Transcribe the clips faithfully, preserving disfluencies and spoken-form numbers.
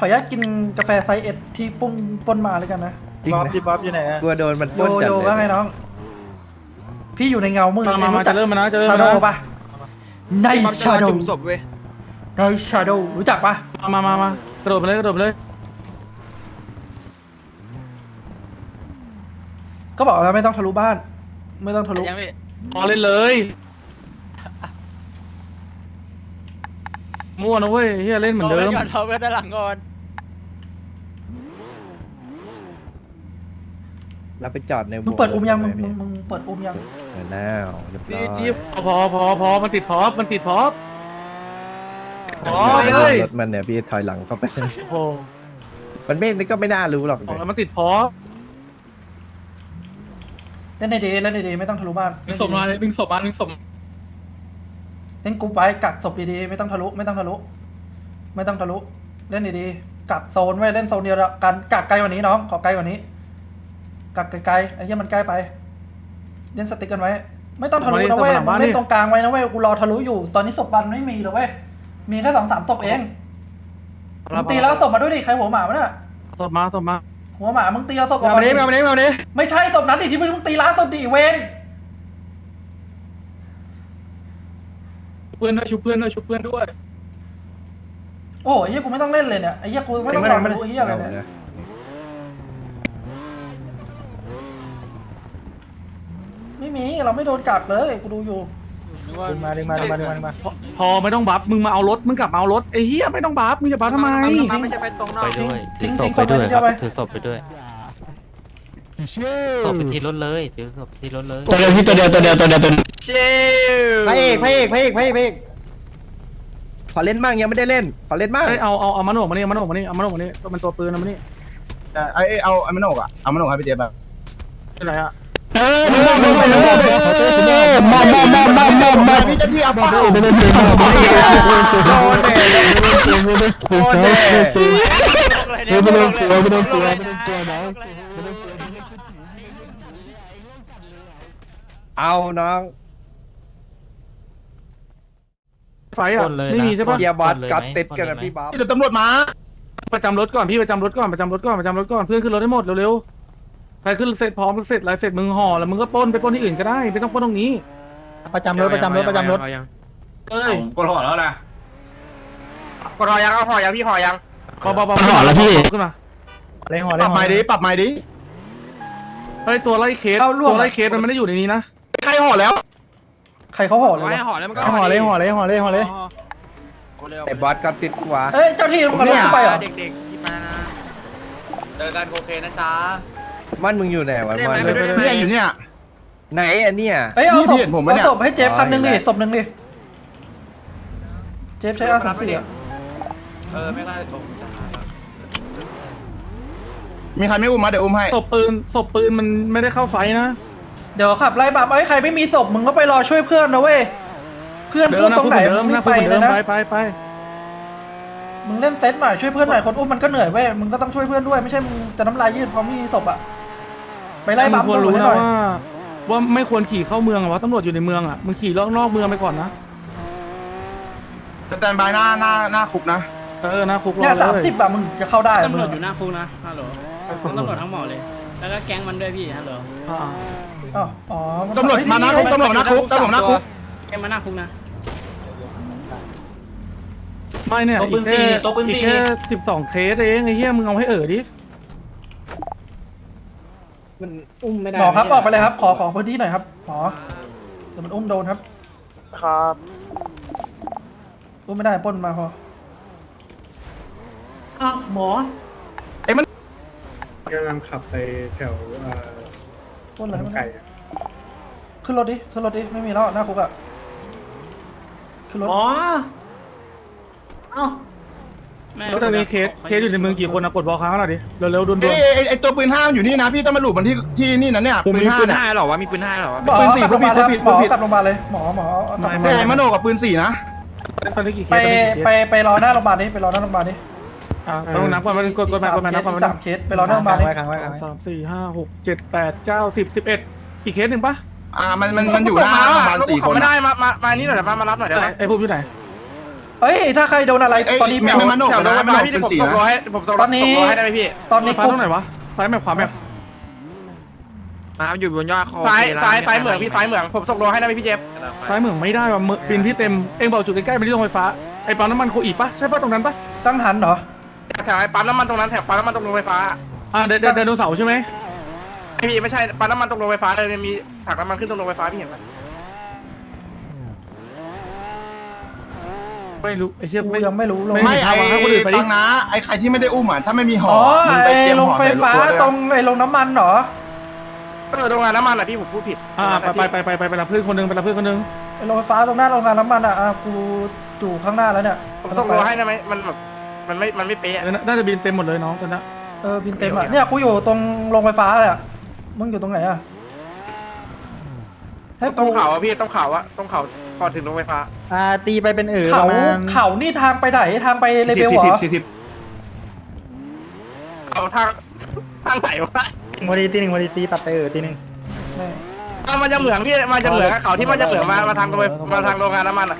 ขออนุญาตกินกาแฟไซส์เอ็ดที่ปุ้นปนมาเลยกันนะบ๊อบพี่บ๊อบอยู่ไหนอะกลัวโดนมันโยปล้นจัดโย่เลยว่าไงน้อง พี่อยู่ในเงามืดมามามาจะเริ่มมานะจะเริ่มชามาโดนะปะในชาโดจุ่มศพเว้ยในชาโดรู้จักปะมามามามากระโดดไปเลยกระโดดไปเลยก็บอกแล้วไม่ต้องทะลุบ้าน ไม่ต้องทะลุยังพี่พอเล่นเลยมั่วนะเว้ยเฮียเล่นเหมือนเดิมก่อนเราไปด้านหลังก่อนเราไปจอดในมึงเปิดอุ้มยังมึงเลมึงมึงเปิดอุ้มยังเปิดแล้วเรียบร้อยจี๊บพอพอพอมันติดพอปมันติดพอปพอไม่เลได้ยรถมันเนี่ยพี่ถอยหลังเข้าไปโอ้โหมันไม่ก็ไม่น่ารู้หรอกบอกแล้วมันติดพอปเล่นในเดย์เล่นในเดย์ไม่ต้องทะลุบ้านดึงศพมาดึงศพมาดึงศพเล่นกรุ๊ปไว้กักศพดีๆไม่ต้องทะลุไม่ต้องทะลุไม่ต้องทะลุเล่นดีๆกักโซนไว้เล่นโซนเดียวกันกักไกลกว่านี้น้องขอไกลกว่านี้กักไกลๆไอ้เหี้ยมันใกล้ไปเล่นสติ๊กกันไว้ ไม่ต้องทะลุนะเว้ยมึงเล่นตรงกลางไว้นะเว้ยกูรอทะลุอยู่ตอนนี้ศพบันไม่มีเลยเว้ยมีแค่สองสามศพเองมึงตีแล้วศพมาด้วยดิใครหัวหมาวะเนี่ยสดมาสดมาหัวหมามึงตีเอาศพออกมามาเนี้ยมาเนี้ยมาเนี้ยไม่ใช่ศพนั้นดิที่มึงตีล้างศพดิเวนเพื่อนด้วยชุบเพื่อนด้วยชุบเพื่อนด้วยโอ้ยไอ้เหี้ยกูไม่ต้องเล่นเลยเนี่ยไอ้เหี้ยกูไม่ต้องรอทะลุไอ้เหี้ยอะไรเนี่ยไม่มีเราไม่โดนกักเลยกูดูอยู่ดึงมาดึงมาดึงมาดึงมาดึงมาพอพอไม่ต้องบัฟมึงมาเอารถมึงกลับมาเอารถไอ้เฮียไม่ต้องบัฟมึงจะบัฟทำไมไม่ใช่ไปตรงนอกไปด้วยทิ้ถืงอศพไปด้วยทิ้งศพครับไปถือศพไปด้วยศพไปที่รถเลยถือศพที่รถเลยตัวเดียวพี่ตัวเดียวตัวเดียวตัวเดียวตัวเดียวเชี่ยพระเอกพระเอกพระเอกพระเอกพระเอกขอเล่นบ้างยังไม่ได้เล่นขอเล่นบ้างเอ้ยเอาเอาเอามันออกมานี่เอามันออกมานี่เอามันออกมานี่ตัวมันตัวปืนเอามานี่ไอ้เอาไอ้มันโหนกอ่ะเอามันโหนกให้พี่เจี๊ยบแบบที่ไหนอะเออมามามามามามามามามาพี่จะที่เอาเป้าโดนเด็โดนเน่โดนเน่ไม่โดนตัวไม่โดนตัวไม่โดนตัวน้องเอาน้องไฟอะไม่มีใช่ปะเคลียร์บอสกัดติดกันนะพี่บ๊อบเดี๋ยวตำรวจมาประจำรถก่อนพี่ประจำรถก่อนประจำรถก่อนประจำรถก่อนเพื่อนขึ้นรถให้หมดเร็วๆใครขึ้นเสร็จพร้อมเสร็จอะไรเสร็จมึงห่อแล้วมึงก็ปล้นไปปล้นที่อื่นก็ได้ไม่ต้องปล้นตรงนี้ประจำรถประจำรถประจำรถเอ้ยกดห่อแล้วนะกดหอยังเอาหอยังพี่หอยังเบาๆเบาๆห่อแล้วพี่ขึ้นมาเลยห่อเลยปรับใหม่ดิปรับใหม่ดิเฮ้ยตัวไล่เคสตัวไล่เคสมันไม่ได้อยู่ในนี้นะใครห่อแล้วใครเขาห่อเลยวะหอแล้วมันก็ห่อเลยห่อเลยห่อเลยห่อเลยไอ้บอสกัดติดกว่าเอ้ยเจ้าที่มึงมาลงไปเหรอเด็กๆหยิบมานะเจอกันโอเคนะจ๊ะมันมึงอยู่ไหนวะมันไปด้วยได้ไหมเนี่ยอยู่เนี่ยไหนอันเนี้ยเอ้ยเอาศพนี่เห็นผมปะเอาเนี่ยศพให้เจฟคันหนึ่งดิศพหนึ่งดิเจฟใช้อาสามสี่เออไม่ได้มีใครไม่อุ้มมาเดี๋ยวอุ้มให้ศพปืนศพปืนมันไม่ได้เข้าไฟนะเดี๋ยวขับไล่บับไอ้ยใครไม่มีศพมึงก็ไปรอช่วยเพื่อนนะเว้ยเพื่อนเดิพูมดนะตรงไหนเดิมึมงรีนะบไปเดิเลยมนะไปไปไปมึงเล่นเซตหน่อยช่วยเพื่อนหน่อยคนอุ้มมันก็เหนื่อยเว้ยมึงก็ต้องช่วยเพื่อนด้วยไม่ใช่มึงจะน้ำลายยืดเพราะไม่มีศพอะไปไล่บับมึงควรตำรวจรู้ให้นะหน่อยว่าว่าไม่ควรขี่เข้าเมืองอะวะตำรวจอยู่ในเมืองอะมึงขี่รอบนอกเมืองไปก่อนนะสแตนบายหน้าหน้าหน้าคุกนะเออนะคุกรอเนี่ยเลสามสิบอะมึงจะเข้าได้ตำรวจมึงอยู่หน้าคุกนะฮัลโหลทั้งตำรวจทั้งหมอเลย แล้วก็แก๊งมันด้วยพี่ฮัลโหลอ่าอ๋ออ๋อมันตำรวจมาหน้าคุกตำรวจหน้าคุกตำรวจหน้าคุกแก๊งมาหน้าคุกนะไม่เนี่ยอีกแค่อีกแค่สิบสองเคสเองไอ้เหี้ยมึงเอาให้เอ๋อดิมันอุ้มไม่ได้หมอครับออกไปเลยครับขอขอพื้นที่หน่อยครับหมอเดี๋ยวมันอุ้มโดนครับครับอุ้มไม่ได้ปล้นมาพออ้าวหมอกำลังขับไปแถวเอ่อปล้นอะไรไม่ไก่ได้อะขึ้นรถดิขึ้นรถดิไม่มีแล้วหน้าคุกอะขึ้นรถหมอเอ้าแม่แล้วตอนนี้เคสเคสอยู่ในเมืองกี่คนนะกดบอลค้างหน่อยดิเร็วๆด่วนไอ้ไอ้ไอ้ตัวปืนห้ามันอยู่นี่นะพี่ต้องมาหลุดมันที่ที่นี่นะเนี่ยปืนห้าเนี่ยหรอวะมีปืนห้าหรอวะหมอกปืนสี่กลับโรงพยาบาลปืครับนผิดหมอปืนผิดกลับโรงพยาบาลเลยหมอหมอเอากลับโรงพยาบาลไอ้มโนกับปืนสี่นะๆตอนนี้กี่เคไปสตอนนี้กี่เคไปสไปรอหน้าโรงพยาบาลดิไปรอหน้าโรงพยาบาลดิอ่าต้องนับก่อนมันกดกดมากดมานับก่อนอีมันกสามเคสไปรอหน้าโรงพยาบาลดิค้างไว้ค้างไว้สามสี่ห้าหกเจ็ดแปดเก้าสิบสิบเอ็ดอีกเคสหนึ่งปะอ่ามันมันมันอยู่หน้าประมาณสี่คนไม่ได้มามามานี่หน่อยได้ปะมารับหน่อยได้ไหมไอ้พวกอยู่ไหนเอ้ยถ้าใครโดนอะไรเอ้ยตอนนี้ไม่แถวไม่มันแถวรถไฟฟ้าพี่ที่ผมส่งรอให้ผมส่งรตถอนนี้ส่งรอให้ได้ไหมพี่ตอนนี้ฟ้ากูตรงไหนวะซ้ายแมพขวาแมพมาอยู่บนยอดคอซ้ายซ้ายซ้ายเหมืองพี่ซ้ายเหมืองผมส่งรอให้ได้ไหมพี่เจฟซ้ายเหมืองไม่ได้ว่ะเมืองบินพี่เต็มเองบอกจุดใกล้ๆไปที่โรงไฟฟ้าไอ้ปั๊มน้ำมันโคอีปะใช่ปะตรงนั้นปะตั้งหันเหรอแถวไอ้ปั๊มน้ำมันตรงนั้นแถวปั๊มน้ำมันตรงโรงไฟฟ้าอ่าเดินเดินเดินโดนเสาใช่ไหมพี่ไม่ใช่ปั๊มน้ำมันตรงโรงไฟฟ้าเลยมีถังน้ำมันขึ้นตรงโรงไฟฟ้าพี่เห็นไหมไม่รู้ไอ้เชี่ยกูไม่ยังไม่รู้ลงไม่ไม่ไอ้ให้คนอื่นไปดิฟังนะไอ้ใครที่ไม่ได้อุ้มอ่ะถ้าไม่มีห่ออ๋อมึงไปไอ้เตรียมลงห่อไฟใส่ฟ้าตัวด้วยตรงไอ้ลงน้ำมันเหรอเออโรงงานน้ำมันอ่ะพี่ผมพูดผิดอ่าไปไปไปไปไปไปรับเพื่อนคนนึงไปรับเพื่อนคนนึงไอ้ลงไฟฟ้าตรงหน้าโรงงานน้ำมันอ่ะอ่ะกูอยู่ข้างหน้าแล้วเนี่ยผมส่งรอให้ได้ไหมมันแบบมันไม่มันไม่เป๊ะเออน่าจะบินเต็มหมดเลยน้องตอนนี้เออบินเต็มอ่ะเนี่ยกูอยู่ตรงโรงไฟฟ้าเลยอ่ะมึงอยู่ตรงไหนอ่ะให้ต้กูองเขาอ่ะพี่ต้องเขาอ่ะต้องเขาก่อนถึงโรงไฟฟ้าอ่าตีไปเป็นเอ๋อเขาประมาณเขานี่ทางไปไหนทางไปเลเวลเหรอสี่สิบเอาทางทางไหนวะพอดีตีหนึ่งพอดีตีปัดไปเอ๋อตีหนึ่งไม่เอามันจะเหมืองพี่มันจะเหมืองเขาที่มันจะเหมืองมามาทางโรงไฟมาทางโรงงานน้ำมันอ่ะ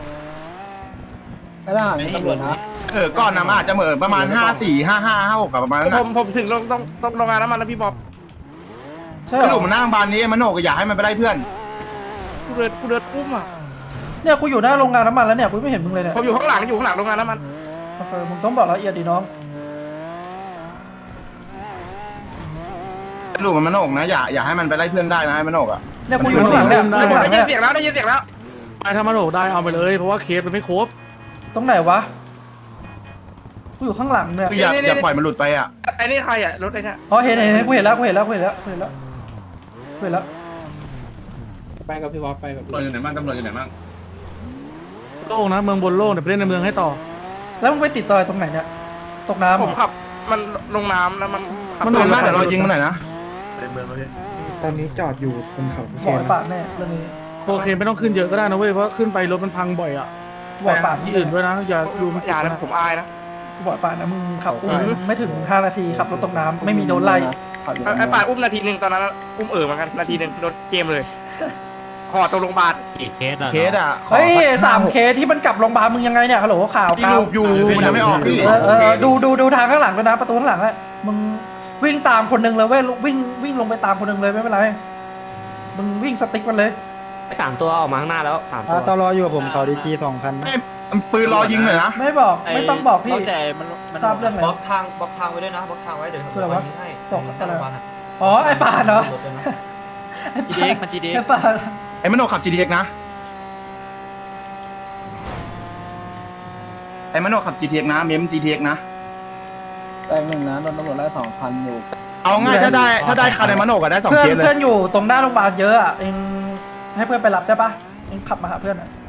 ไม่ได้ตำรวจนะเออก่อนนะมันอาจจะเหมือนประมาณห้าสี่ห้าห้าห้าหกประมาณนั้นผมผมถึงโรงต้องต้องโรงงานน้ำมันแล้วพี่บ๊อบใช่เหสรรุอปมันนั่งบานนี้มันโหนกอยากให้มันไปไล่เพื่อนกูเดินกูเดินอุ้มอ่ะเนี่ยกูอยู่หน้าโรงงานน้ำมันแล้วเนี่ยกูไม่เห็นมึงเลยเนี่ยผมอยู่ข้างหลังอยู่ข้างหลังโรงงานน้ำมันโอเคมึงต้องบอกละเอียดดิน้องสรุปมันมันโหนกนะอย่าอย่าให้มันไปไล่เพื่อนได้นะให้มันโหนกอ่ะเนี่ยกูอยู่ข้างหลังเนี่ยข้างหลังได้ยิเนี่นยเสียงแล้วได้ยินเสียงแล้วไปทำมาโหลได้เอาไปเลยเพราะว่าเคสมันไม่ครบตรงไหนวะกูอยู่ข้างหลังเนี่ยคืออย่าอย่าปล่อยมันหลุดไปอ่ะไอ้นี่ใครอ่ะรถไอ้เนี่ยอ๋อเห็นเห็นเห็นกูเห็นแล้วกูเห็นแล้วกูเห็นแล้วกูเห็นแล้วกูเห็นแล้วไปกับพี่วอฟไปกับพี่โล่งนะเมืองบนโล่งเดี๋ยวไปเล่นในเมืองให้ต่อแล้วมึงไปติดต่อยตรงไหนเนี่ยตกน้ำผมขับมันลงน้ำแล้วมันขับมันโดนมากเดี๋ยวเรายิงมันหน่อยนะตอนนี้จอดอยู่บนเขาบ่อยปากแน่เรื่องนี้โคเคนไม่ต้องขึ้นเยอะก็ได้นะเว้ยเพราะขึ้นไปรถมันพังบ่อยอ่ะบ่อยปากที่อื่นด้วยนะอย่าดูมันอย่านะผมอายนะบ่อยปากนะมึงขับอุ้มไม่ถึงห้านาทีขับรถตกน้ำไม่มีโดนไล่ไอ้ป่าอุ้มนาทีหนึ่งตอนนั้นอุ้มเอ๋อเหมือนกันนาทีหนึ่งโดนเกมเลยห่อตรงโรงพยาบาลกี่เคสอะเคสอ่ะขอเฮ้ยสักสามเคสที่มันกลับโรงพยาบาลมึงยังไงเนี่ยฮัลโหลข่าวที่ข่าวลูกอยู่มันยังไม่ออกพี่เออเออดูดูดูทางข้างหลังด้วยนะประตูข้างหลังอะมึงวิ่งตามคนหนึ่งเลยเว้ยวิ่งวิ่งลงไปตามคนหนึ่งเลยไม่เป็นไรมึงวิ่งสติ๊กมันเลยสามตัวออกมาข้างหน้าแล้วสามอ่าตัวตอรออยู่กับผมเขาดีจีสองคันให้ปืนรอยิงหน่อยนะไม่บอกไม่ต้องบอกพี่แต่มันมันทราบเรื่องอะไรบล็อกทางบล็อกทางไว้ด้วยนะบล็อกทางไว้เดี๋ยวคืออะไรวะยิงให้บอกอะไรบ้านอะอ๋อไอ้ป่านเหรอไอ้จีป่าดีนเอ็กมันจีดีไอ้ป่านไอ้มันโหนกขับ จี ดี เอ็กซ์ นะไอ้มันโหนกขับ จี ที เอ็กซ์ นะเมม จี ที เอ็กซ์ นะแต่หนึ่งนะโดนตำรวจไล่สองคันอยู่เอาง่ายถ้าได้ถ้าได้คันในมันโหนกอะได้สองเพื่อนเคสเลยเพื่อนอยู่ตรงหน้าโรงพยาบาลเยอะอะเองให้เพื่อนไปรับได้ปะเองขับมาหาเพื่อนอะ